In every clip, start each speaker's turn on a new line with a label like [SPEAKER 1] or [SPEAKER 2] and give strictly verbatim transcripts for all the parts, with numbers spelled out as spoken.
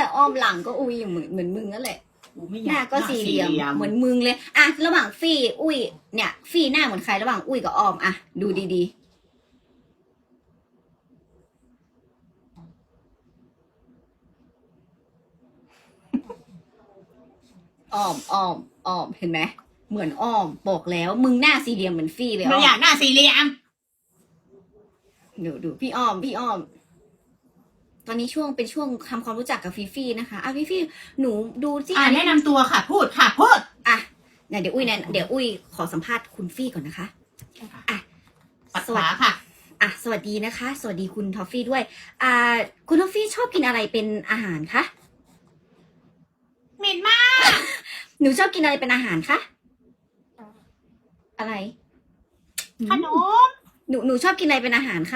[SPEAKER 1] ละอ้อมหลังก็อุ้ยเหมือนเหมือนมึงนั่นแหละหน้าก็สี่เหลี่ยมเหมือนมึงเลยอ่ะระหว่างฟี่อุ้ยเนี่ยฟี่หน้าเหมือนใครระหว่างอุ้ยกับอ้อมอ่ะดูดีๆอ้อมอ้อมอ้อมเห็นไหมเหมือนอ้อมบอกแล้วมึงหน้าสี่เหลี่ยมเหมือนฟี่เลย
[SPEAKER 2] มันอยากหน้าสี่เหลี่ยม
[SPEAKER 1] ดูดูพี่อ้อมพี่อ้อมตอนนี้ช่วงเป็นช่วงทำความรู้จักกับฟีฟี่นะคะอ่ะฟีฟี่หนูดูสิ
[SPEAKER 2] อ่าแนะนำตัวค่ะพูดค่ะพูด
[SPEAKER 1] อ่ะเนี่ยเดี๋ยวอุ้ยเนี่ยเดี๋ยวอุ้ยขอสัมภาษณ์คุณฟี่ก่อนนะคะอ่ะ
[SPEAKER 2] ปัดขวาค่ะ
[SPEAKER 1] อ่ะสวัสดีนะคะสวัสดีคุณทอฟฟี่ด้วยอ่าคุณทอฟฟี่ชอบกินอะไรเป็นอาหารคะ
[SPEAKER 2] เหม็นมาก
[SPEAKER 1] หนูชอบกินอะไรเป็นอาหารคะอะไร
[SPEAKER 2] ขนม
[SPEAKER 1] หนูหนูชอบกินอะไรเป็นอาหารคะ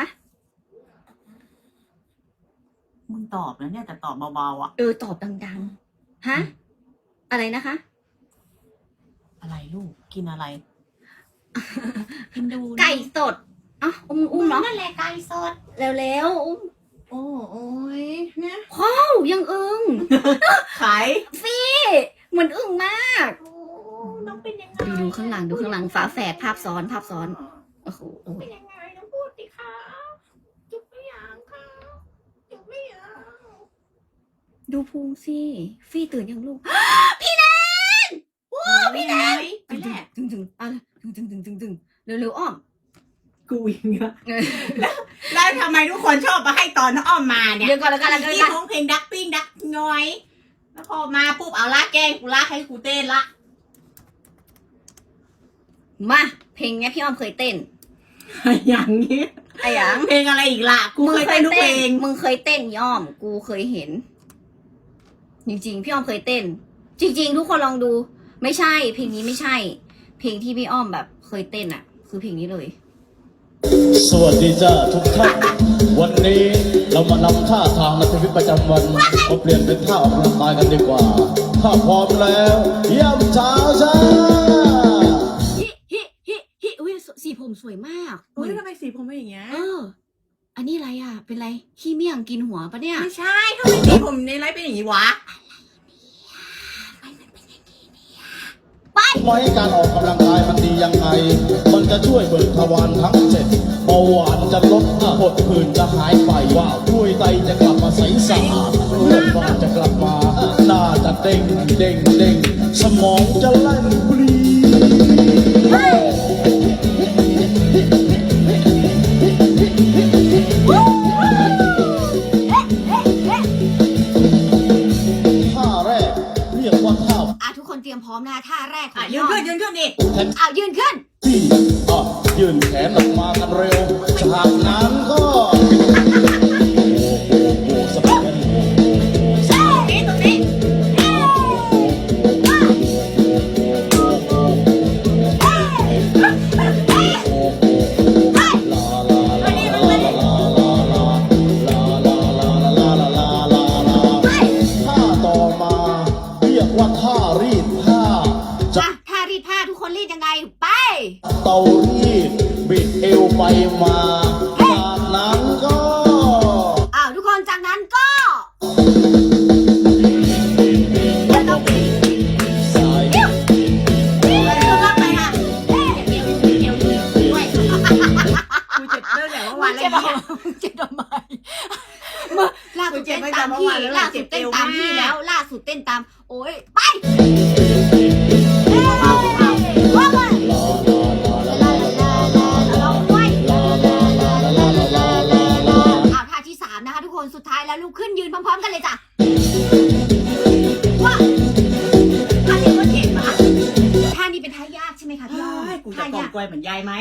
[SPEAKER 2] มึงตอบแล้วเนี่ยแต่ตอบเบาๆอ่ะ
[SPEAKER 1] เออตอบดังๆฮะอะไรนะคะ
[SPEAKER 2] อะไรลูกกินอะไรกินดู
[SPEAKER 1] ไก่สดอ่ะอุ้มอุ้มเนาะ
[SPEAKER 2] นั่นแหละไก่สด
[SPEAKER 1] เร็วๆอุ้ม
[SPEAKER 2] โอ้โอ้ยเนี่ย
[SPEAKER 1] ว้าวยังอึ้ง
[SPEAKER 2] ขาย
[SPEAKER 1] ฟี่เหมือนอึ้งมาก
[SPEAKER 2] น้องเป็นยังไง
[SPEAKER 1] ดูดูข้างหลังดูข้างหลังฝาแฝดภาพซ้อนภาพซ้อนโอ้โห
[SPEAKER 2] เป็นยังไงน้องพูดดิค่ะจุกไม่อยากค่ะจุกไม่อยาก
[SPEAKER 1] ดูพุงสิฟี่ตื่นยังลูกพี่แนนว้าพี่แนน
[SPEAKER 2] ไปแหละ
[SPEAKER 1] ตึงตึงอะไรตึงตึงตึงตึงตึงเร็วเร็วอ้อม
[SPEAKER 2] กูอย่างเงี้ยแล้วทำไมทุกคนชอบมาให้ตอนอ้อมมาเนี่ย
[SPEAKER 1] เดี๋ยวก่อนแล้วกันแล้วกัน
[SPEAKER 2] ที่ร้องเพลงดักปิ้งดักน้อยแล้วพอมาปุ๊บเอาละแกล้งกูละให้กูเต้นละ
[SPEAKER 1] มาเพลงเนี้ยพี่อ้อมเคยเต้น
[SPEAKER 2] อย่างนี้
[SPEAKER 1] ไอ้ยัง
[SPEAKER 2] เพลงอะไรอีกล่ะกูเคยเต้นทุกเพลง
[SPEAKER 1] มึงเคยเต้นย่อมกูเคยเห็นจริงๆพี่อ้อมเคยเต้นจริงๆทุกคนลองดูไม่ใช่เพลงนี้ไม่ใช่เพลงที่พี่อ้อมแบบเคยเต้นอ่ะคือเพลงนี้เลย
[SPEAKER 3] สวัสดีจ้าทุกท่านวันนี้เรามานำท่าทางในชีวิตประจำวันมาเปลี่ยนเป็นท่าออกกำลังกายกันดีกว่าถ้าพร้อมแล้วย่ำเท้าจ้า
[SPEAKER 1] ฮิฮิฮิฮิอุ้ยสีผมสวยมาก
[SPEAKER 2] อุ้ยทำไมสีผมเป็นอย่างเงี้ย
[SPEAKER 1] เอออันนี้อะไรอ่ะเป็นไรขี้เมี่ยงกินหัวปะเนี่ย
[SPEAKER 2] ไม่ใช่ทำไมสีผมในไลฟ์เป็นอย่างนี้วะ
[SPEAKER 3] ไม่ให้การออกกำลังกายมันดียังไงมันจะช่วยเบิกทวารทั้งเจ็ดเบาหวานจะลดปวดผื่นจะหายไปว่าพุ้ยไตจะกลับมาใสสะอาดเลือดฝาดจะกลับมาหน้าจะเด้งเด้งเด้งสมองจะแล่นปรีท่าแรกเรียกว่าท่า
[SPEAKER 1] อ่ะทุกคนเตรียมพร้อมนะท่าแรกของ
[SPEAKER 2] ยืนขึ้นยืนขึ้นดิ
[SPEAKER 1] อ้าวยืนขึ้น
[SPEAKER 3] ที่อ่ะยืนแขนออกมากันเร็วจากนั้นก็โอ้โหโอ้สะบัดกัน
[SPEAKER 1] ตรงนี้ตรงนี้
[SPEAKER 3] ท่าต่อมาเรียกว่าท่ารีดผ้า
[SPEAKER 1] จะท่ารีดผ้าทุกคนรีดยังไงไป
[SPEAKER 3] เตารีดบิดเอวไปมาจากนั้นก็
[SPEAKER 1] อ้าวทุกคนจากนั้นก็ไม่ต้องไป
[SPEAKER 3] สาย
[SPEAKER 1] เดี๋ยวเดี๋ยวก็ไปค่ะเดี๋ยวเดี๋ยวเดี๋ยวด้วย
[SPEAKER 2] กูเจ็บเรื่องไหนว่าวันอะไรเนี่ย
[SPEAKER 1] เจ็บทำไมเมื่อล่าสุดเต้นตามพี่ล่าสุดเต้นตามพี่แล้วล่าสุดเต้นตามโอ้ยไปสุดท้ายแล้วลุกขึ้นยืนพร้อมๆกันเลยจ้ะว้าท่านี้ก็เก่งมากท่านี้เป็นท่ายากใช่ไหมคะพี่อ้อม
[SPEAKER 2] กูจะกองกวยเหมือนยายไหม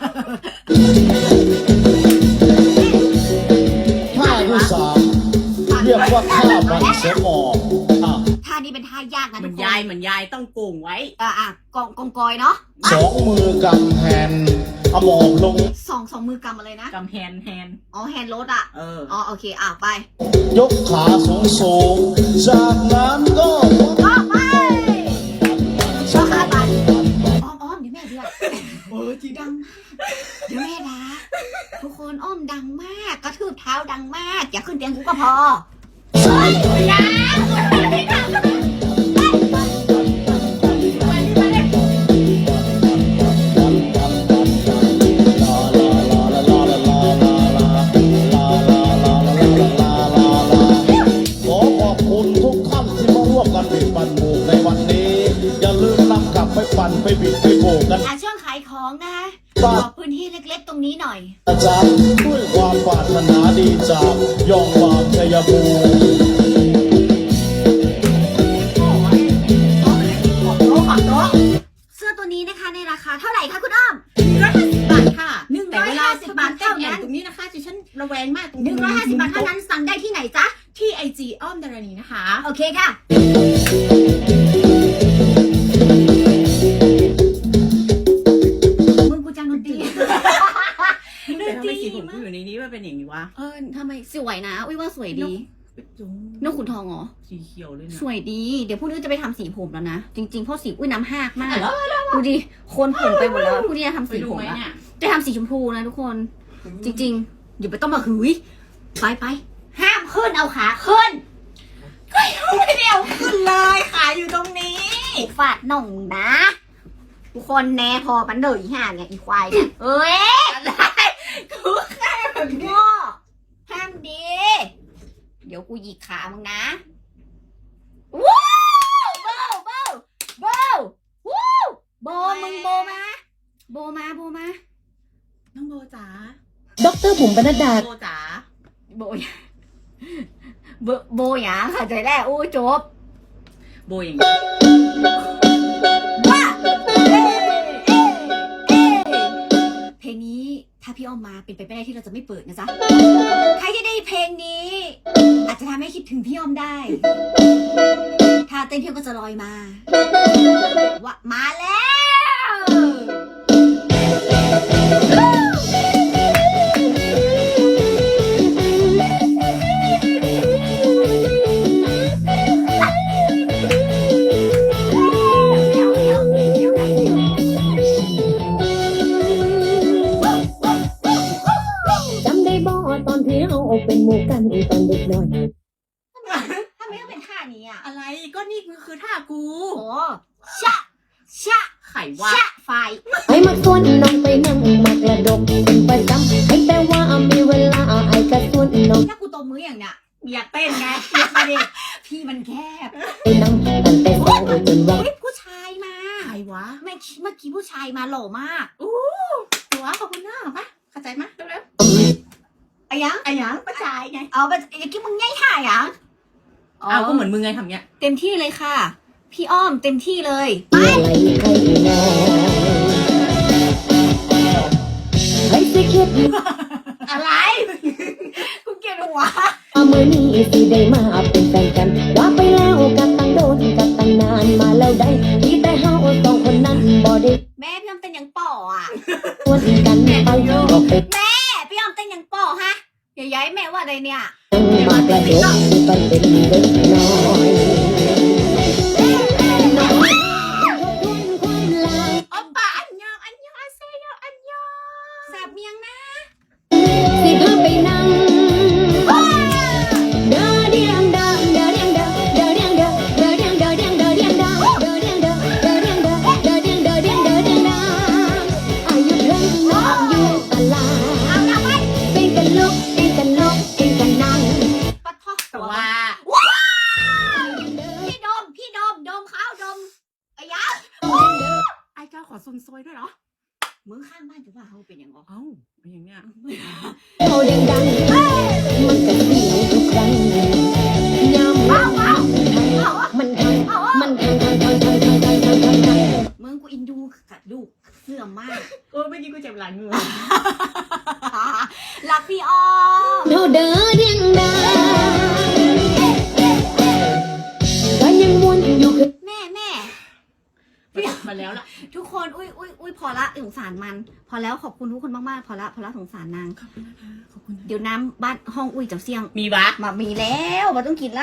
[SPEAKER 3] ท่าที่สามเรียกว่าท่ามันเสมอง
[SPEAKER 1] ท่านี้เป็นท่ายากนะ
[SPEAKER 2] เหมื
[SPEAKER 1] ทุกคน
[SPEAKER 2] อนยายเหมือนยายต้องโกงไว้
[SPEAKER 1] อ่าอ่ะกองกองกอยเนาะ
[SPEAKER 3] สองมือกำแฮนเอาหมอบลง
[SPEAKER 1] สองสองมือกำอะไรนะ
[SPEAKER 2] กำแฮนแฮน
[SPEAKER 1] อ๋อแฮนรถอ่ะ
[SPEAKER 2] เออ
[SPEAKER 1] อ๋อโอเคอ่ะไป
[SPEAKER 3] ยกขาสูงสูงจากนั้นก็
[SPEAKER 1] ก็ไปชอบขาบันอ้อมอ้อมเดี๋ยวแม่เดือด
[SPEAKER 2] โอ้จี
[SPEAKER 1] ดังเดี๋ยวแม่นะทุกคนอ้อมดังมากกระทืบเท้าดังมากอย่าขึ้นเตียงกูก็พอเฮ้ยยัง
[SPEAKER 3] กันไปบิดไปโบกกัน
[SPEAKER 1] อ่ะช่วงขายของนะคะข
[SPEAKER 3] บ้า
[SPEAKER 1] อพื้นที่เล็กๆตรงนี้หน่อย
[SPEAKER 3] อาจารย์ด้วยความปรารถนาดีจากยองบางชัยภูมิ
[SPEAKER 1] เสื้อตัวนี้นะคะในราคาเท่าไหร่คะคุณอ้อม
[SPEAKER 2] ร้อยห้าสิบบาทค่ะ
[SPEAKER 1] หนึ่งร้อยห้าสิบบาทเท่านั้น
[SPEAKER 2] ตรงนี้นะคะจิฉันระแวงมากตรง
[SPEAKER 1] หนึ่งร้อยห้าสิบบาทเท่านั้นสั่งได้ที่ไหนจ๊ะ
[SPEAKER 2] ที่ไอจีอ้อมดารณีนะคะ
[SPEAKER 1] โอเคค่ะ มึงกูจ้างดนตรี
[SPEAKER 2] แต่ทำไมสีผมกูอยู่ในนี้มันเป็นอย่างนี้วะ
[SPEAKER 1] เออทำไมสวยนะ อุ้ยว่าสวยดี
[SPEAKER 2] เป็นจุ้ง
[SPEAKER 1] นกขุนทองเหรอ
[SPEAKER 2] สีเขียวเลย
[SPEAKER 1] ส
[SPEAKER 2] นะ
[SPEAKER 1] วยดี เดี๋ยวพรุ่งนี้จะไปทำสีผมแล้วนะ จริงๆเพราะสีอุ้ยน้ำหากมาก ดูดิ โคนผมไปหมดแล้วพรุ่งนี้จะทำ
[SPEAKER 2] ไป
[SPEAKER 1] สี
[SPEAKER 2] ดู
[SPEAKER 1] ผม
[SPEAKER 2] ไหม
[SPEAKER 1] แล้ว
[SPEAKER 2] เนี่ย
[SPEAKER 1] จะทำสีชมพูนะทุกคน จริงๆ อยู่ไปต้องมาหืยไปไปห้ามขึ้นเอาขาขึ้น
[SPEAKER 2] ก็ยังไม่ได้เอาขึ้นเลยขายอยู่ตรงนี้
[SPEAKER 1] กูฟาดน่องนะทุกคนแน่พอมันเลยอีห่าเนี่ยอีควายเนี่ยเอ้ย
[SPEAKER 2] อะไรกูแค่แบบนี้
[SPEAKER 1] โง่ห้ามดี เดี๋ยวกูหยิกขามึงนะว้าวโบโบโบว้าวโบมึงโบมาโบมาโบมา
[SPEAKER 2] น้องโบจ๋า
[SPEAKER 4] ดรบุ๋มบรรณดา
[SPEAKER 2] โบจ๋า
[SPEAKER 1] โบโบโบหยางค่ะใจแรกอู้จบ
[SPEAKER 2] โบอย่างนี้
[SPEAKER 1] ว่าเอ้เอ้เอ้เพลงนี้ถ้าพี่อ้อมมาเป็นไปไม่ได้ที่เราจะไม่เปิดนะจ๊ะใครที่ได้เพลงนี้ อาจจะทำให้คิดถึงพี่อ้อมได้ ถ้าเต้นเที่ยวก็จะลอยมาว่ามาแล้ว
[SPEAKER 4] จำได้บ่ตอนที่เราเป็นหมู่กันตอนเด็กน้อย
[SPEAKER 1] ทำไมต้องเป็นท่านี้อ่ะ
[SPEAKER 2] อะไรก็นี่คือท่ากู
[SPEAKER 1] โอ้ชะชะ
[SPEAKER 2] ไขว่า
[SPEAKER 1] ชะไฟ
[SPEAKER 4] ไอ้มาส่วนน้องไปนั่งมากระดกเป็นประจำไอ้แต่ว่ามีเวลาไอ้กระส่วนน้อง
[SPEAKER 1] ถ้ากูตบมืออย่างเนี้ยอยากเต้นไงอยากมาดิพี่มันแคบ
[SPEAKER 4] ไปนั่งตั้งแต่เช้าจนวัน
[SPEAKER 1] เฮ้ยผู้ชายมา
[SPEAKER 2] ใครวะ
[SPEAKER 1] เมื่อกี้เมื่อกี้ผู้ชายมาหล่อมาก
[SPEAKER 2] อู้หัวขอบคุณมากปะเข้าใจไหมยเร็ว
[SPEAKER 1] ไอ้ยัง
[SPEAKER 2] ๆไอ้หยังป้าจ่ายไง
[SPEAKER 1] เอาไปเมื่อกี้มึงง่ายถ่ายยัง
[SPEAKER 2] เอาก็เหมือนมึงไงทำเนี้ย
[SPEAKER 1] เต็มที่เลยค่ะ พี่อ้อมเต็มที่เลย
[SPEAKER 4] อะไรใครน้องใครสิคิด
[SPEAKER 1] อะไรกูเกลียดหัว
[SPEAKER 4] ว่ามือนี้สิได้มาเป็นแฟนกัน ว่าไปแล้วกันตั้งโดนกันตั้งนานมาแล้วได้ที่แต่เฮาสองคนนั้นบ่ได้
[SPEAKER 1] แม่พี่อ้อมเต้นยังป่ออ่ะ
[SPEAKER 4] ชวนกันไปออกไป
[SPEAKER 1] แม่พี่อ้อมเต้นยังป่อฮะอย่าย้ายแม่ว่าอะไรเนี่ย
[SPEAKER 4] นั่งมากระโดดตอนเป็นเด็กน้อยน้อยความลา
[SPEAKER 2] โอปป้าอันยองอันยองอาเซโยอันยอง
[SPEAKER 1] แสบเมียงนะ
[SPEAKER 4] สิพาไปนั่งเดินเดียงดังเดินเดียงดังเดินเดียงดังเดินเดียงเดินเดียงเดินเดียงดังเดินเดียงดังเดินเดียงดังเดินเดียงเดินเดียงเดินเดียงดังอายุเพิ่งน้องอยู่ตลาด
[SPEAKER 1] เอาละไป
[SPEAKER 4] เป็นกันลุกเป็นกันลุกเป็นกันนั่ง
[SPEAKER 1] ปะทอ
[SPEAKER 2] แต่ว่า
[SPEAKER 1] พี่ดมพี่ดมดมเขาดมไอ้ยะ
[SPEAKER 2] ไอ้เจ้าขอซุนซวยด้วยเหรอ
[SPEAKER 1] มึงข้างบ้านจะว่าเขาเป็นยังไง
[SPEAKER 2] เอ้าเป็นอย่างเนี้ย
[SPEAKER 4] เขาดังดังมันก็เสียงทุกครั้งยามว้าวว้าวมันทังมันทังทังทังทังทังทังทังทังทัง
[SPEAKER 1] มึงกูอินดูกับดูเสื่อมมาก
[SPEAKER 2] โอ้ยเมื่อกี้กูเจ็บหลังมือ
[SPEAKER 1] รักพี่อ้อม
[SPEAKER 4] เขาเดินดังดังก็ยังวนอยู่คือ
[SPEAKER 1] แม่แม่
[SPEAKER 2] มาแล้วล่ะ
[SPEAKER 1] ทุกคนอุ้ยอุ้ยอุ้ยพอละสงสารมัน พอแล้วขอบคุณทุกคนมากๆพอละพอละสงสารนาง
[SPEAKER 2] ขอบคุณนะคะขอบคุณนะ
[SPEAKER 1] เดี๋ยวน้ำบ้านห้องอุ้ยเจ้าเสี่ยง
[SPEAKER 2] มีวะ
[SPEAKER 1] มามีแล้วมาต้องกินละ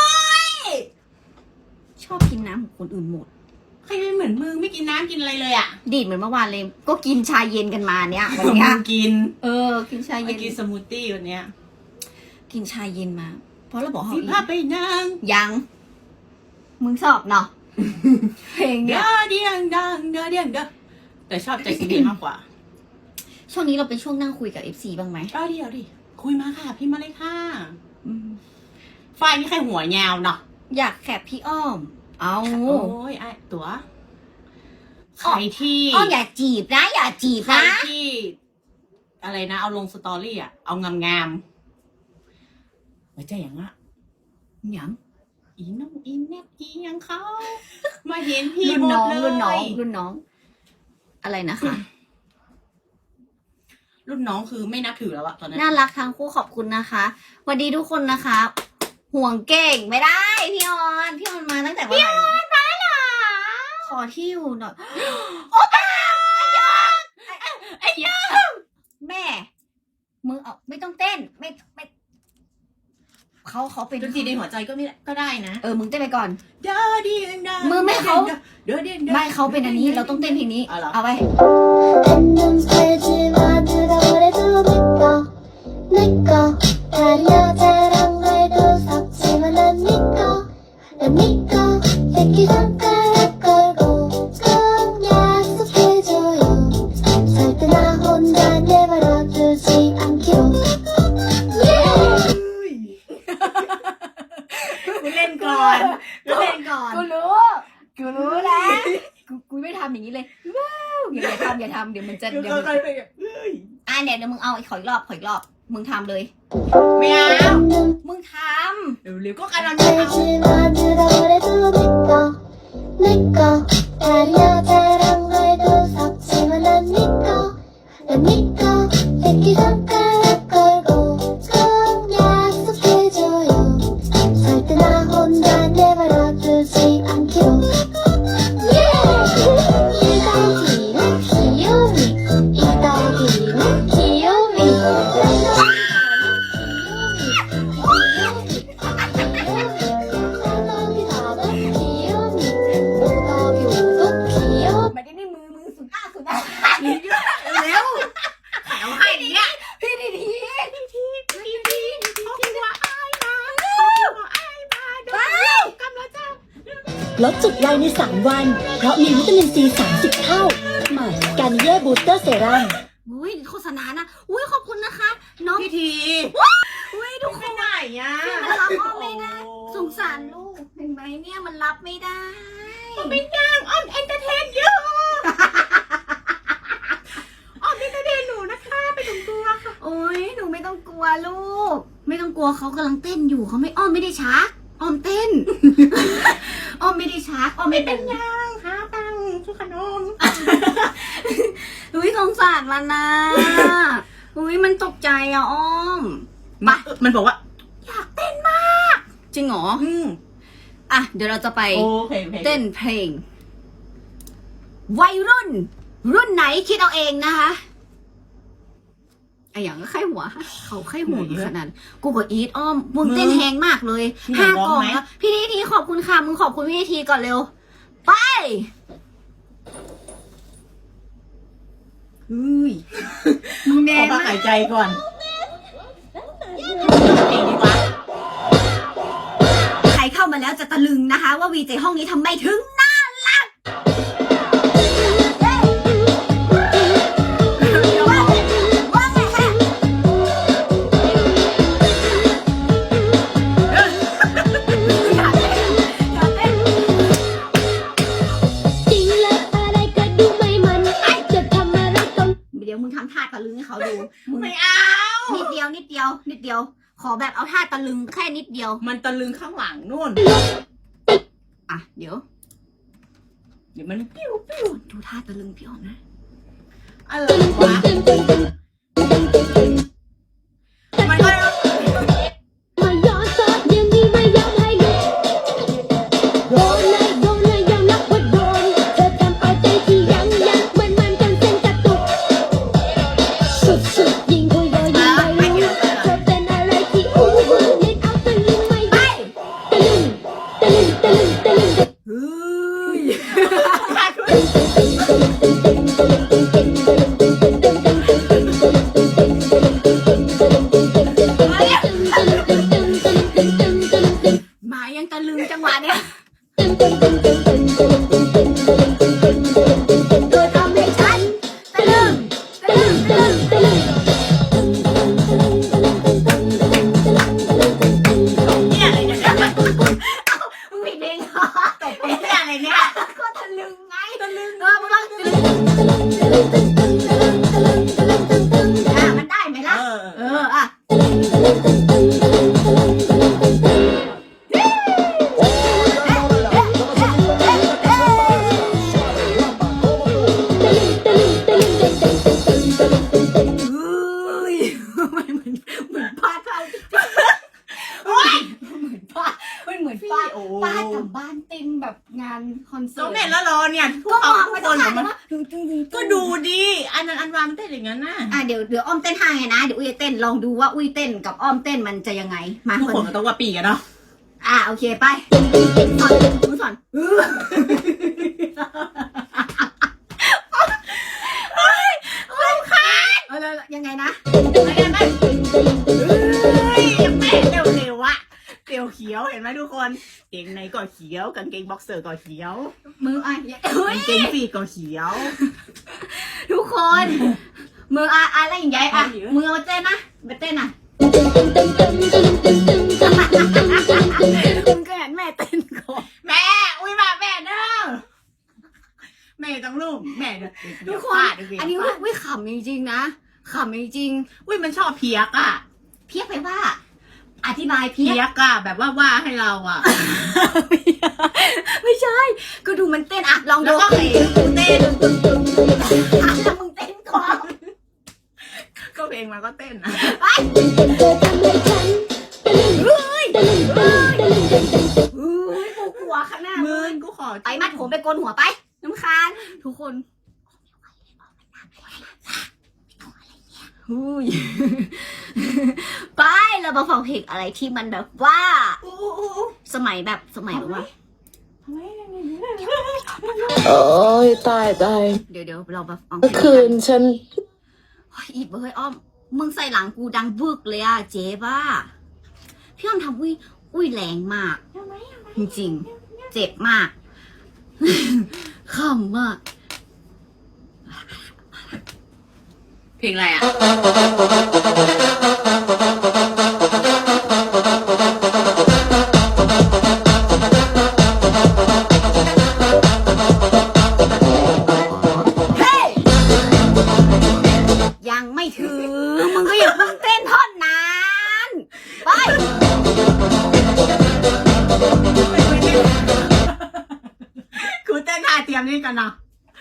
[SPEAKER 1] ชอบกินน้ำของคนอื่นหมด
[SPEAKER 2] ใครเป็นเหมือนมึงไม่กินน้ำกินอะไรเลยอ่ะ
[SPEAKER 1] ดีดเหมือนเมื่อวานเลย ก็กินชาเย็นกันมาเนี่ยวันเนี้ย
[SPEAKER 2] มึงกิน
[SPEAKER 1] เออ กินชา
[SPEAKER 2] ไป
[SPEAKER 1] เย็น
[SPEAKER 2] กินสมูทตี้วันเนี้ย
[SPEAKER 1] กินชาเย็นมา เพราะเราบอกเขา
[SPEAKER 2] สิ
[SPEAKER 1] อีก
[SPEAKER 2] พาไปนั่ง
[SPEAKER 1] ยัง มึงสอบเนาะ เพลง
[SPEAKER 2] เด้
[SPEAKER 1] เนี่ย
[SPEAKER 2] อเดียงดังเด้อเดียงเด้อแต่ชอบใจซีดีมากกว่า
[SPEAKER 1] ช่วงนี้เราเป็นช่วงนั่งคุยกับ เอฟ ซี บ้างไหม
[SPEAKER 2] เอาดิเอาดิคุยมาค่ะพี่มาเลยค่ะ
[SPEAKER 1] อืม
[SPEAKER 2] ฝ้ายนี่ใครหัวยาวเนาะ
[SPEAKER 1] อยากแคบพี่อ้อม เอา
[SPEAKER 2] โอ้ยไอ้ตัว
[SPEAKER 1] ข
[SPEAKER 2] ใครที่
[SPEAKER 1] อ้อมอย่าจีบนะ อย่าจีบ
[SPEAKER 2] ใคร
[SPEAKER 1] นะ
[SPEAKER 2] ที่ อะไรนะ เอาลงสตอรี่อ่ะ เอางามงามๆไม่ใช่อย่างอ่ะ
[SPEAKER 1] หยัง
[SPEAKER 2] อีน้องอีแนบอียังเขา มาเห็นพี่
[SPEAKER 1] รุ่น
[SPEAKER 2] หมด
[SPEAKER 1] น้อง
[SPEAKER 2] เลย
[SPEAKER 1] รุ่นน้องรุ่นน้อง อะไรนะคะ
[SPEAKER 2] รุ่นน้องคือไม่นับถือแล้วอะตอนนั้น
[SPEAKER 1] น่ารักทั้งคู่ขอบคุณนะคะสวัสดีทุกคนนะคะ ห่วงเก่งไม่ได้พี่ออนพี่ออนมาตั้งแต่วันไหนพี่ออนมาเหรอขอที่อยู่หน่อย โอ๊ยไอ้ยองไอ้ยองแม่มึงเอาไม่ต้องเต้นไม่ไม่เขาเขาเป็น
[SPEAKER 2] ดนตรีในหัวใจก็ไม่ก็ได้นะ
[SPEAKER 1] เออมึงเต้นไปก่อน
[SPEAKER 2] เด้อดีเด้อ
[SPEAKER 1] มือไม่เขา
[SPEAKER 2] เด้อเด้อเด้อ
[SPEAKER 1] ไม่เขาเป็นอันนี้เราต้องเต้นเพลงนี้
[SPEAKER 2] อ๋อเหรอ
[SPEAKER 1] เอาไป
[SPEAKER 4] 안녕 살지마 누가 뭐래도 믿고 내꺼 다른 여자랑 말도 섞지마 난 니꺼 난 니꺼 새끼 손가락 걸고 꼭 약속해줘요 절대 나 혼자 내버려두지 않기로
[SPEAKER 2] กูเล่นก่อนกูเล่นก่อน
[SPEAKER 1] กูรู้กูรู้แล้วกูกูไม่ทำอย่างนี้เลยว้าวอย่าทำอย่าทำเดี๋ยวมันจะ
[SPEAKER 2] กู
[SPEAKER 1] เดี๋ยว
[SPEAKER 2] ก็
[SPEAKER 1] มัน
[SPEAKER 2] เคยไปแบบเฮ้ย
[SPEAKER 1] อ่ะเนี่ยเดี๋ยวมึงเอาขออีกรอบขออีกรอบมึงทำเลย
[SPEAKER 2] ไม่เอา
[SPEAKER 1] มึงท
[SPEAKER 2] เร็วๆก็กำลังจะเอา
[SPEAKER 4] 살지마 누가 뭐래도 믿고 내꺼 다른 여자랑 말도 섞지마 난 니꺼 난 니꺼 새끼 손가락 걸고 꼭 약속해줘요 절대 나 혼자 내버려두지 않기로 이덕이는 귀요미 이덕이는 귀요미 귀요미
[SPEAKER 1] ำไม่ได้นี่มือมือสุดหน้าสุดหน้า
[SPEAKER 2] เร็วเอาให้เนี่ย
[SPEAKER 1] พี่ดีดี
[SPEAKER 2] พี่ทีพี่ทีเขาคิดว่าอายมาเขาคิดว่าอายมาเดี๋ยวกำลังจะ
[SPEAKER 5] ลดจุดไวในสามวัน เพราะมีวิตามินซีสามสิบเท่า ใหม่การเย่บูสเตอร์เซรั่ม
[SPEAKER 1] อุ้ยโฆษณานะอุ้ยขอบคุณนะคะน้อง
[SPEAKER 2] พี่ที
[SPEAKER 1] อุ้ยทุกค
[SPEAKER 2] ไป
[SPEAKER 1] น
[SPEAKER 2] ไหนอ่ะ
[SPEAKER 1] มันรับพ่อไม่ได้สงสารลูกเห็นไหมเนี่ยมันรับไม่ได้
[SPEAKER 2] ไม่ย่างอ้อมเอนเตอร์เทนอยู่อ้อมเอนเตอร์เทนหนูนะคะไปถึงตัวค่ะ
[SPEAKER 1] โอ้ยหนูไม่ต้องกลัวลูก ไม่ต้องกลัวเขากำลังเต้นอยู่เขาไม่อ้อมไม่ได้ชักอ้อมเต้น อ้อมไม่ได้ชักอ้อม
[SPEAKER 2] ไม่
[SPEAKER 1] ไม่
[SPEAKER 2] เป็
[SPEAKER 1] เป็น น
[SPEAKER 2] ย่างหาตังค์ชุกขนม
[SPEAKER 1] อุ้ยสงสารมันนะอุ้ยมันตกใจอ่ะอ้อม
[SPEAKER 2] มา มันบอกว่า
[SPEAKER 1] จริงเหรอ
[SPEAKER 2] อืม
[SPEAKER 1] อ่ะเดี๋ยวเราจะไป
[SPEAKER 2] โอเคโอเค
[SPEAKER 1] เต้นเพลง วัยรุ่น รุ่นไหนคิดเอาเองนะคะไออย่างก็ไข้หัว เขาไข้หัวอยู่ขนาดนั้นกูกับอีทอ้อมมึงเต้นแหงมากเลยห้ากล่องแล้วพี่นิทีขอบคุณค่ะมึงขอบคุณพี่นิทีก่อนเร็ว ไป
[SPEAKER 2] เฮ้ย
[SPEAKER 1] มึงแด
[SPEAKER 2] ของ พัก
[SPEAKER 1] มาก
[SPEAKER 2] หายใจก่อนเพลงดีกว่า
[SPEAKER 1] ใครเข้ามาแล้วจะตะลึงนะคะ ว่าวีเจห้องนี้ทำไมถึงน่ารักว่าไงว่าไงคะ
[SPEAKER 4] จริงแล้วอะไรก็ดูไม่มันจะทำอะไรต้อง
[SPEAKER 1] เดี๋ยวมึงทำท่าตะลึงให้เขาดูมึง
[SPEAKER 2] ไม่เอา
[SPEAKER 1] นิดเดียวนิดเดียว นิดเดียว ขอแบบเอาท่าตะลึงแค่นิดเดียว
[SPEAKER 2] มันตะลึงข้างหลังนู่น
[SPEAKER 1] อ่ะ เดี๋ยว
[SPEAKER 2] เดี๋ยวมันปิ้วปิ้ว
[SPEAKER 1] ดูท่าตะลึงพี่ออกนะ
[SPEAKER 2] อะไรวะมันก็
[SPEAKER 4] มาย้อนสอนยังมีไม่ยอมให้หลุดโดนเลยโดนเลยยอมรับว่าโดนเธอทำเอาใจที่ยังยังมันมันจนเส้นกระตุกสุดสุดยิงคุยโดยยิงไม่รู้เธอเป็นอะไรที่อู้หูเล่นเอาตะลึงไม่หยุดตะลึงตะลึงตะลึงตะลึงตะลึง
[SPEAKER 1] เฮ้ย มายังตะลึงจังหวะเนี้ยเธอทำให้ฉันตะลึงตะลึงตะลึงตะลึง
[SPEAKER 2] เนี่ยอะไรเนี่ย
[SPEAKER 1] มึงผิดเองเหรอ
[SPEAKER 2] ตบเนี่ยอะไรเนี่ย
[SPEAKER 1] ก็ตะลึงไงตะลึงเออมึงลองป้าทำบ้านเต้นแบบงานคอนเสิ
[SPEAKER 2] ก็
[SPEAKER 1] ร์ต
[SPEAKER 2] แม่แล้วรอเนี่ยพว
[SPEAKER 1] ก็
[SPEAKER 2] กเขา
[SPEAKER 1] ออก
[SPEAKER 2] ทุ
[SPEAKER 1] มาก
[SPEAKER 2] ค
[SPEAKER 1] จะ
[SPEAKER 2] น
[SPEAKER 1] ถ่าย
[SPEAKER 2] มา
[SPEAKER 1] ว่าดึงดึงดึง
[SPEAKER 2] ก็ดูดิอันนั้นอันวามันเต้นอย่างนั้นน่ะ
[SPEAKER 1] อ่ะเดี๋ยวเดี๋ยวอ้อมเต้นท่าไงนะเดี๋ยวอุ้ยจะเต้นลองดูว่าอุ้ยเต้นกับอ้อมเต้นมันจะยังไงมา
[SPEAKER 2] ทุกคนก็ต้องว่าปีกันเนาะ
[SPEAKER 1] อ่ะโอเคไปสอนมือสอนเออเอาเลยยังไงนะ
[SPEAKER 2] ไม่ได้ไหมเฮ้ยแม่เร็วเร็วๆอะเตียวเขียวเห็นไหมทุกคนเกงในก็เขียวกางเกงบ็อกเซอร์ก็เขียว
[SPEAKER 1] มืออ่ะเฮ้ย
[SPEAKER 2] กางเกงปีกก็เขียว
[SPEAKER 1] ทุกคนมืออ่ะอะไรอย่างเงี้ยอ่ะมือเอาเต้นนะไปเต้นอ่ะมึงก็เห็นแม่เต้นก่อน
[SPEAKER 2] แม่อุ้ยมาแม่เด้อแม่ต้องลูกแม่เด้อ
[SPEAKER 1] ทุกคนอันนี้วิขำจริงๆนะขำจริง
[SPEAKER 2] อุ้ยมันชอบเพียกอะ
[SPEAKER 1] ๆเพี้ยไปว่า อธิบายเพี้
[SPEAKER 2] เพี
[SPEAKER 1] ย
[SPEAKER 2] ยกอะแบบว่าว่าให้เราอะ
[SPEAKER 1] ไม่ใช่ ก็ดูมันเต้นอ่ะลอง
[SPEAKER 2] แล้
[SPEAKER 1] ดู
[SPEAKER 2] วก็เห็นเต้น
[SPEAKER 1] อ่ะแล้วมึงเต้นก่อน
[SPEAKER 2] ก็เพลงมันก็เต้นอะ
[SPEAKER 1] ไป
[SPEAKER 4] เธอทำให้ฉันตะลึง
[SPEAKER 1] เฮ้ย
[SPEAKER 4] ตะลึงตะลึงตะลึงตะลึง
[SPEAKER 1] เฮ้ยกูกลัวข้างหน้า
[SPEAKER 2] มื
[SPEAKER 1] มึ
[SPEAKER 2] อน กูขอ
[SPEAKER 1] ไปมัดผมไปโกนหัวไปน้ำคาญทุกคนหุ้ยไปเรามาฟังเพลงอะไรที่มันแบบว่า สมัยแบบสมัยแบบว่า
[SPEAKER 6] โอ้ยตายตาย
[SPEAKER 1] เดี๋ยวเดี๋ยวเราแบบฟังเพล
[SPEAKER 6] เมื่
[SPEAKER 1] ง
[SPEAKER 6] อคืนฉัน
[SPEAKER 1] โอ้ยอีบเฮ้ยอ้อมมึงใส่หลังกูดังบึกเลยอะเจ๊บ้าพี่อ้อมทำอุ้ยอุ้ยแรงมากจริงๆเจ็บมากขำมาก
[SPEAKER 2] เพลงอะไรอะ
[SPEAKER 1] ยังไม่ถึงมึงก็อย่าเพิ่งเต้นท่อนนั้นไป
[SPEAKER 2] กูเต้นท่าเตรียมนี่กันเนาะ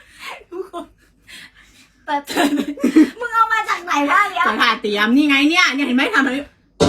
[SPEAKER 1] แต่เธอมึงเอามาจากไหนวะเนี่ย
[SPEAKER 2] ท่าเตรียมนี่ไงเนี่ยเนี่ยเห็นไหมทำอะไร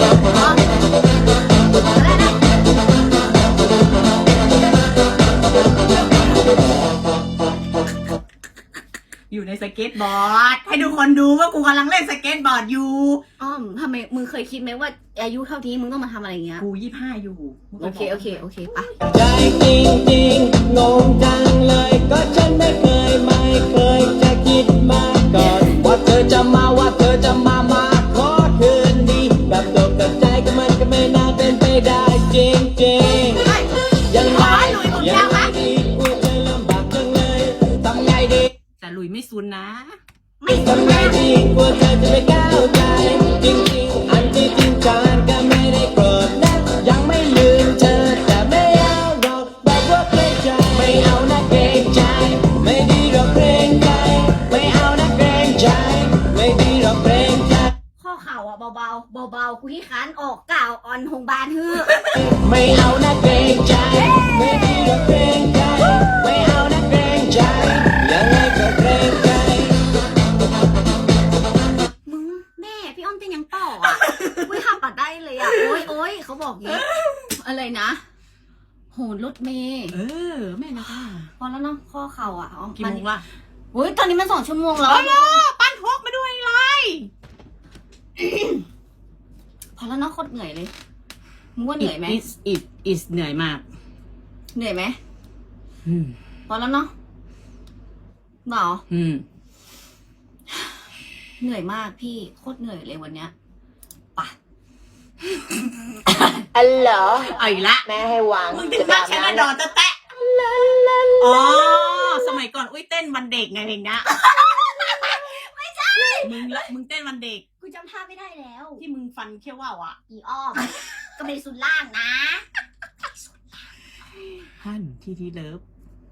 [SPEAKER 2] อยู่ในสเก็ตบอร์ดให้ทุกคนดูว่ากูกำลังเล่นสเก็ตบอร์ดอยู่
[SPEAKER 1] อ้อมทำไมมึงเคยคิดไหมว่าอายุเท่านี้มึงต้องมาทำอะไรอย่างเงี้ย
[SPEAKER 2] กูยี่ห้าอยู่
[SPEAKER 1] โอเคโอเคโอเคไป
[SPEAKER 7] ใจจริงจริงงงจังเลยก็ฉันไม่เคยไม่เคยจะคิดมาก่อนว่าเธอจะมาว่าเธอจะมามาขอคืนดีแบบตกกับใจก็มันก็ไม่น่าเป็นไปได้จริงจริงยังไงยังไงดีกูเคยลำบากจังเลยทำไงดี
[SPEAKER 2] แต่หลุยไม่ซุนนะ
[SPEAKER 7] ทำไงดีกลัวเธอจะไม่เข้าใจจริงจริงอันที่จริงจังก็ไม่ได้โกรธนะยังไม่ลืมเธอแต่ไม่เอาหรอกแบบว่าเกรงใจไม่เอานะเกรงใจไม่ดีหรอกเกรงใจไม่เอานะเกรงใจไม่ดีหรอกเกรงใจ
[SPEAKER 1] ข้อเข่าอ่ะเบาๆเบาๆกูที่ค้านออกก่าวออนหงบานฮือ
[SPEAKER 7] ไม่เอานะเกรงใจไม่ดีหรอกเกรงใจไม่เอานะเกรงใจยังไงก็เกรงใจ
[SPEAKER 1] มึงแม่พี่อ้อมเต้นยังต่ออ่ะกูทำปัดได้เลยอ่ะโอ๊ยโอ๊ยเขาบอกงี้อะไรนะโหนรถเมย์
[SPEAKER 2] เออแม่นะคะ
[SPEAKER 1] พอแล้วเนาะข้อเข่าอ่ะอ้อม
[SPEAKER 2] กี่โมงละ
[SPEAKER 1] โอ้ยตอนนี้มันสองชั่วโมงแล้ว
[SPEAKER 2] อ๋อเหรอปั้นทกมาด้วยเลย
[SPEAKER 1] พอแล้วเนาะโคตรเหนื่อยเลยมึงว่าเหนื่อยไหม
[SPEAKER 2] is it is เหนื่อยมาก
[SPEAKER 1] เหนื่อยไหม
[SPEAKER 2] อืม
[SPEAKER 1] พอแล้วเนาะเปล่า
[SPEAKER 2] อืม
[SPEAKER 1] เหนื่อยมากพี่โคตรเหนื่อยเลยวันเนี้ยไป
[SPEAKER 6] อันเหรอ
[SPEAKER 2] เอาอีกละ
[SPEAKER 6] แม่ให้วาง
[SPEAKER 2] มึงถึงมากฉันกระโดดตะแตะอ๋อสมัยก่อนอุ้ยเต้นวันเด็กไงเพลงนะไม่ใช่มึงละมึงเต้นวันเด็ก
[SPEAKER 1] กูจำท่าไม่ได้แล้ว
[SPEAKER 2] ที่มึงฟันเขี้ยวว่าวอ่ะ
[SPEAKER 1] อีอ้อม ก็ไม่ได้สุดล่างนะ
[SPEAKER 2] ฮั่นทีทีเลิฟ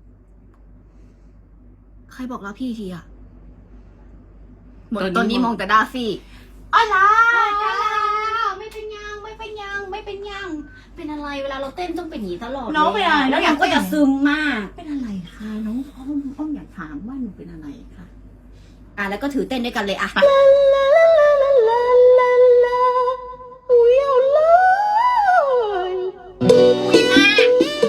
[SPEAKER 1] ใครบอกแล้วพี่ทีอะหมดตอนนี้มองแต่ดาฟี่
[SPEAKER 2] อ๋อเหรอ
[SPEAKER 1] ไม่เป็นยังไม่เป็นยังไม่เป็นยังเป็นอะไรเวลาเราเต้นต้องเป็นอย่างนี้ตลอด
[SPEAKER 2] น้องเป็นอะไร
[SPEAKER 1] แล้วยังก็จะซึมมาก
[SPEAKER 2] เป็นอะไรคะน้องอ้อมอ้อมอยากถามว่าหนูเป็นอะไรคะ
[SPEAKER 1] อ่ะแล้วก็ถือเต้นด้วยกันเลยอ่ะ
[SPEAKER 6] อุ้ยเอาเลย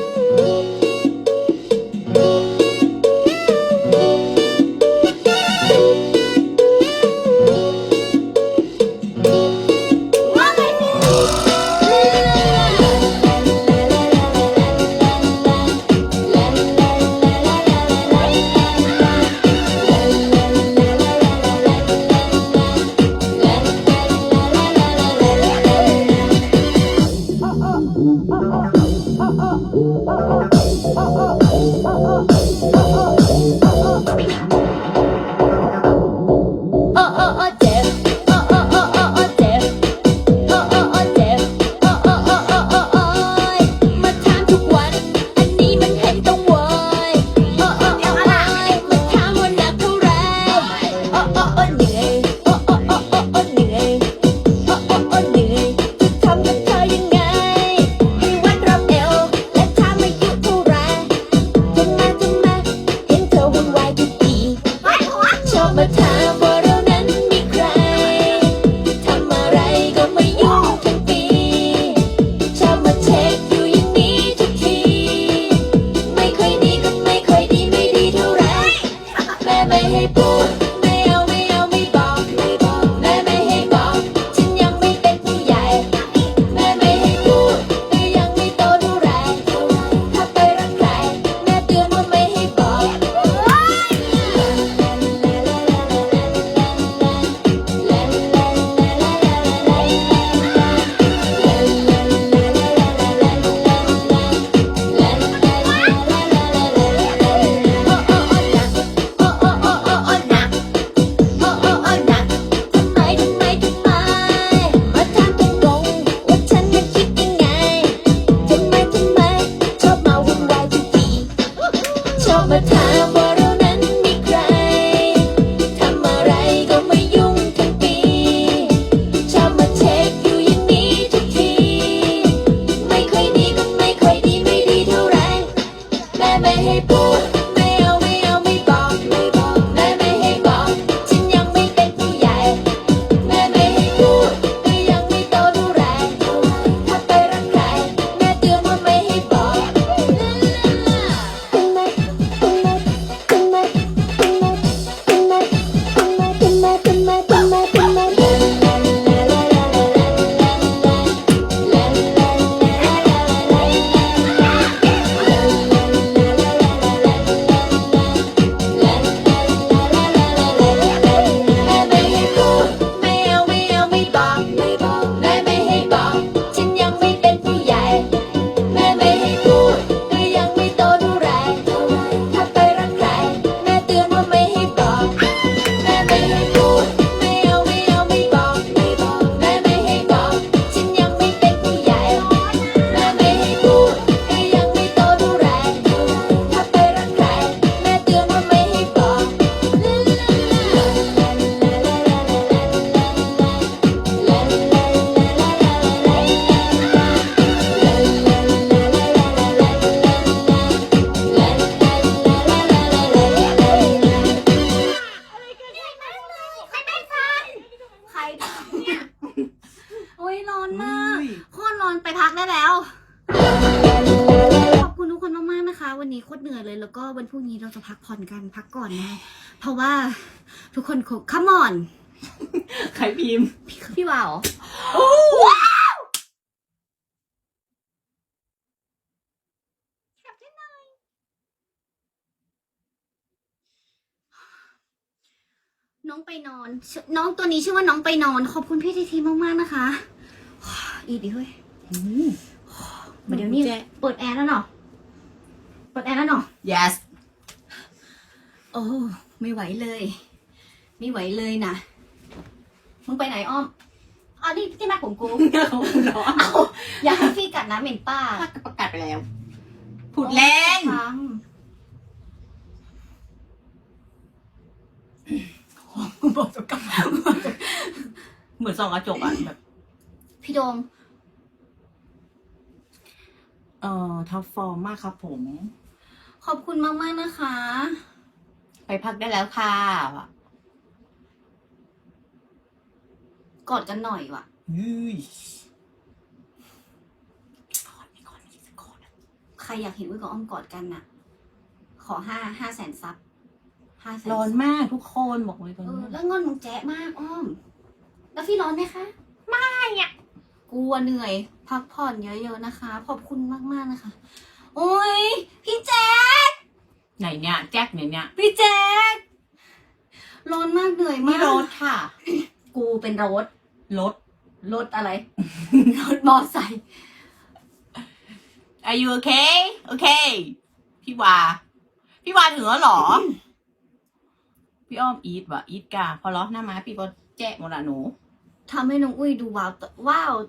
[SPEAKER 4] โอ้โอ้โอ้เจ็บโอ้โอ้โอ้โอ้โอ้เจ็บโอ้โอ้โอ้เจ็บโอ้โอ้โอ้โอ้โอ้โอ้ยมาถามทุกวันอันนี้มันเห็นต้องโวยโอ้โอ้โอ้โอ้ยมาถามว่าหนักเท่าไรโอ้โอ้โอ้เหนื่อยโอ้โอ้โอ้โอ้โอ้เหนื่อยโอ้โอ้โอ้เหนื่อยจะทำกับเธอยังไงให้วัดรอบเอวและถามอายุเท่าไรทำไมทำไมเห็นเธอวุ่นวายทุกทีชอบมาถามว่าเรานั้นมีใครทำอะไรก็ไม่ยุ่งทั้งปีชอบมาเช็คอยู่อย่างนี้ทุกทีไม่ค่อยดีก็ไม่ค่อยดีไม่ดีเท่าไรแม่ไม่ให้พูดไม่เอาไม่เอาไม่บอกแม่ไม่ให้บอกฉันยังไม่เป็นผู้ใหญ่แม่ไม่ให้พูดก็ยังไม่โตเท่าไรถ้าไปรักใครแม่เตือนว่าไม่ให้บอก ชอบมาถามว่าเรานั้นมีใครทำอะไรก็ไม่ยุ่งทั้งปีชอบมาเช็คอยู่อย่างนี้ทุกทีไม่ค่อยดีก็ไม่ค่อยดีไม่ดีเท่าไรแม่ไม่ให้พูดไม่เอาไม่เอาไม่บอกแม่ไม่ให้บอกฉันยังไม่เป็นผู้ใหญ่แม่ไม่ให้พูดก็ยังไม่โตเท่าไรถ้าไปรักใครแม่เตือนว่าไม่ให้บอก ไม่เอาไม่เอาไม่บอกแม่ไม่ให้บอกฉันยังไม่เป็นผู้ใหญ่แม่ไม่ให้พูดก็ยังไม่โตเท่าไรถ้าไปรักใครแม่เตือนว่าไม่ให้บอกแม่ไม่ให้พูดไม่เอาไม่เอาไม่บอกแม่ไม่ให้บอกฉันยังไม่เป็นผู้ใหญ่แม่ไม่ให้พูดก็ยังไม่โตเท่าไรถ้าไปรักใครแม่เตือนว่าไม่ให้บอก
[SPEAKER 1] ใครทำเนี่ยโอ้ยร้อนมากโคตรร้อนไปพักได้แล้ว ขอบคุณทุกคนมากๆนะคะ วันนี้โคตรเหนื่อยเลย แล้วก็วันพรุ่งนี้เราจะพักผ่อนกันพักก่อนนะ เพราะว่าทุกคนคคัมอน
[SPEAKER 2] ใครพิมพ์
[SPEAKER 1] พี่พี่วาวเหรอน้องไปนอนชื่อน้องตัวนี้ชื่อว่าน้องไปนอน ขอบคุณพี่ทีทีมากๆนะคะ อีดีเว้ยมาเดี๋ยวนี้เปิดแอร์แล้วเนาะเปิดแอร์แล้วเนาะ
[SPEAKER 2] yes
[SPEAKER 1] โอ้ไม่ไหวเลย ไม่ไหวเลยนะมึงไปไหนอ้อมอ๋อนี่ที่แม่ผมกู
[SPEAKER 2] เขาร้อน
[SPEAKER 1] เอาอย่าให้พี่กัดนะเหม็นป้า
[SPEAKER 2] ประกาศไปแล้ว พูดเล่น
[SPEAKER 1] ทั้ง
[SPEAKER 2] บอกจะกลับเหมือนส่องกระจกอ่ะแบบ
[SPEAKER 1] พี่โดม
[SPEAKER 2] เอ่อท็อปฟอร์มมากครับผม
[SPEAKER 1] ขอบคุณมากๆนะคะ
[SPEAKER 2] ไปพักได้แล้วค่ะ
[SPEAKER 1] กอดกันหน่อยว่ะ
[SPEAKER 2] ยืยกอดไม่กอดไม่กอด
[SPEAKER 1] ใครอยากเห็นอุ้ยกับอ้อมกอดกันน่ะ ขอห้าห้าแสนซับห้าแสน
[SPEAKER 2] ร้อนมากทุกคนบอกเลยตอน
[SPEAKER 1] เอ
[SPEAKER 2] นี้
[SPEAKER 1] อแล้วงอนมึงแจ๊ะมากอ้อม แล้วพี่ร้อนไหมคะ ไม่อะกลัวเหนื่อย พักผ่อนเยอะๆนะคะ ขอบคุณมากๆนะคะ โอ้ยพี่แจ๊ค
[SPEAKER 2] ไหนเนี่ยแจ็คไหนเนี่ย
[SPEAKER 1] พี่แจ๊คร้อนมากเหนื่อย
[SPEAKER 2] นี่
[SPEAKER 1] มาก
[SPEAKER 2] รถค่ะ
[SPEAKER 1] กูเป็นรถ
[SPEAKER 2] รถ
[SPEAKER 1] รถอะไร รถมอไซค์
[SPEAKER 2] Are you okay โอเคพี่วาพี่วาถึงแล้วเหรอ พี่อ้อมอีทว่ะอีทกาพอล้อหน้าม้าพี่ก็แจ๊ะหมดละหนู
[SPEAKER 1] ทำให้น้องอุ้ยดูว้าวว้าว